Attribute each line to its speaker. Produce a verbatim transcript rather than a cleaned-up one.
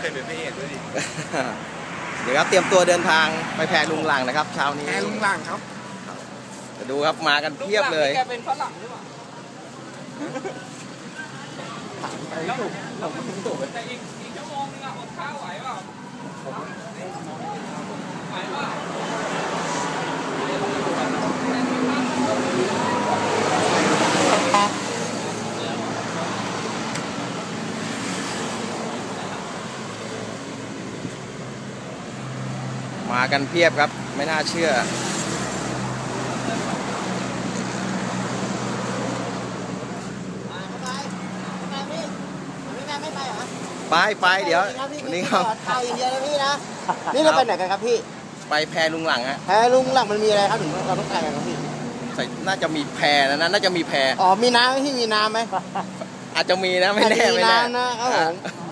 Speaker 1: เป็นพระเอกด้วยดิ
Speaker 2: เดี๋ยวครับเตรียมตัวเดินทางไปแพลุงหลังนะครับเช้านี้
Speaker 1: แพลุงหลังครับ
Speaker 2: จะดูครับมากันเพียบเลย
Speaker 3: แกเป็นฝรั่งหรือเปล่า
Speaker 1: ไปถูกถูก
Speaker 3: แต่อีกอีกชั่วโมงนึงอะอดข้าวไหวเปล่าไหวเปล่า
Speaker 2: มากันเพียบครับไม่น่าเชื่อไปไปเดี๋ยววันนี้ครับ
Speaker 4: ถ่ายอย่างเดียวนะพี่นะนี่เราไปไหนกันครับพี่
Speaker 2: ไปแพลุงหลังฮะ
Speaker 4: แพลุงหลังมันมีอะไรครับถึงเราต้องถ่ายกันครับพี่
Speaker 2: น่าจะมีแพนะน่าจะมีแพ
Speaker 4: อ๋อมีน้ำไหมพี่มีน้ำไหม
Speaker 2: อาจจะมีนะไม่แน่ไม่แน่
Speaker 4: นะครับผม